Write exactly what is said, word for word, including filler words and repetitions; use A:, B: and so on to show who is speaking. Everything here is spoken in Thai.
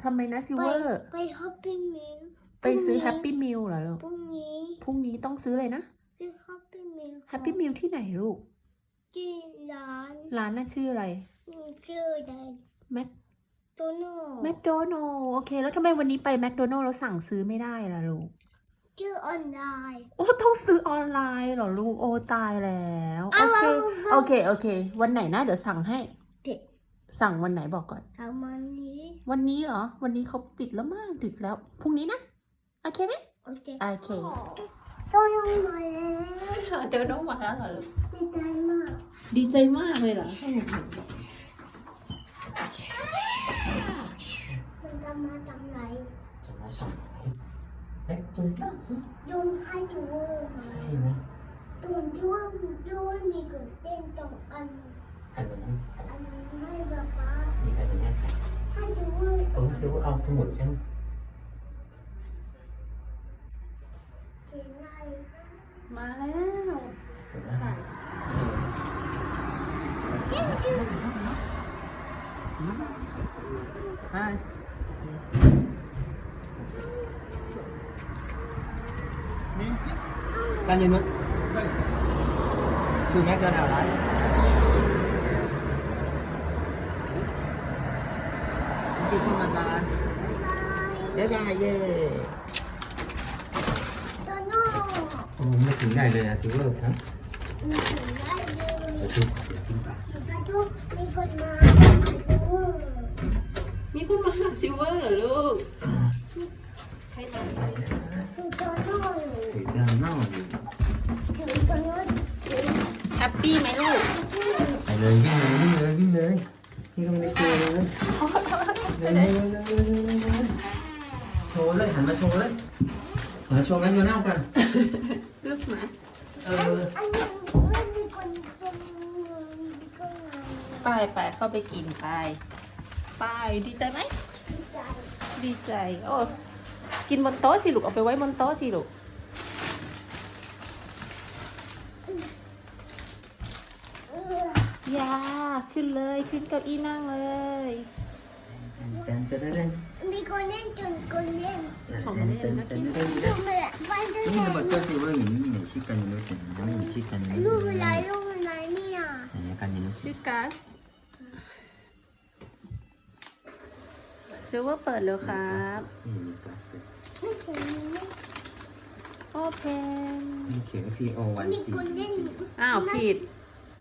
A: ทำไมนะซิล
B: ไป
A: เวอร์
B: ไปแฮปปี้มิล
A: ไปซื้อแฮปปี้มิลเหรอลูก
B: พรุ่งนี้
A: พรุ่งนี้ต้องซื้อเลยนะ
B: ซื้อแฮปปี้มิล
A: แฮปปี้มิลที่ไหนลูก
B: ที่ร้าน
A: ร้านน่ะชื่ออะไร
B: ชื่ออะไร
A: แมค
B: โตโน่
A: แมคโดนัลล์โอเค แล้วทำไมวันนี้ไปแมคโดนัลล์แล้วสั่งซื้อไม่ได้ล่ะลูก
B: ชื่อออนไลน์
A: โอ้ต้องซื้อออนไลน์เหรอลูก โอ้ตายแล้ว โอเค โอเค โอเค วันไหนนะ เดี๋ยวสั่งให้
B: เด็ก
A: สั่งวันไหนบอกก่อน
B: ทำมันนี้
A: วันนี้เหรอ วันนี้เขาปิดแล้วมากดึกแล้ว พรุ่งนี้นะ โอเคไหม
B: โอเค
A: โอเค
B: โตโน่มาแล้ว
A: เดี๋ยวน้องมาแล้วเหรอลูก
B: ดีใจมาก
A: ดีใจมากเลยเหรอ
B: มันจะมาจากไหน
C: จะมาส่งเอ๊ะจุ๊บ
B: ยุงให้ดูมา
C: ใช่ไหม
B: ตุนช่วงช่วงมีกดเต้นตรงอัน
C: อันนั้น
B: อันให้ป๊าป๊า
C: มีอันนี้
B: ให้ดู
C: เออคือเอาสมุดใช่ไหม
B: เขียนอะไร
A: มาแล้ว
C: เห็นไหม
A: ใช่
B: จริงจริง
A: ไป
C: การยืนมั้ยคือแม็กโดนัลด์ร้านที่เข้ามาบ้านเดี๋ยวได้เย่
B: โตโน่
C: โอ้ไม่ถึงได้เลยอะซิเวอร์ครับ
B: มีเขียนได้เลย
C: เดี๋ยวดูเดี๋ยวกินปาก
B: สุดท้ายทุกมีคนมาดู
A: มีคนมาหาซิลเวอร์เหรอลูกใครมา
B: สุดโตโน่
C: สีจานนอกอยู่
B: ถึงโตโน่ถึง
A: แฮปปี้ไหมลูก
C: ไปเลยวิ่งเลยวิ่งเลยวิ่งเลยนี่ก็ไม่ได้เจอเลยเลยเลยเลยเลยโชว์เลยหันมาโชว์เลยหันมาโชว์แล้วโยนหน้ากัน
A: ลูกหมา
C: เออ
B: อันนี้ไม่มีคนเป็นก็ไง
A: ไปไปเข้าไปกินไป ไปดีใจไหม
B: ใจ
A: ดีใจ โอ้กินบนโต๊ะสิลูก เอาไปไว้บนโต๊ะสิลูก
B: เออ
A: ยาขึ้นเลยขึ้นเก้าอี้นั่งเลย
C: เต้นเต้นเต้น
B: มีคนเล่นจนคนเล่น
A: ของเล่นนะกิน
B: ลูกเมื่อไปด้วย
C: นี่ระเบิดเตอร์ซิเวอร์อย่างนี้มีชิคกันยูโรถึงไม่มีชิคกันยู
B: ลู
C: โร
B: กอะไรลูกอะไรเนี่ย
C: อย่างนี้กันยูโร
A: ชื่อกัสซิลเวอร์เปิดแล้วครับ
C: นี่มีกัสเลย
B: ไม่เห็นมี
A: โอเพน
C: นี่เขียนว่า P O วัน
B: มี
C: สี่
B: คนเล่น
A: อ้าวผิด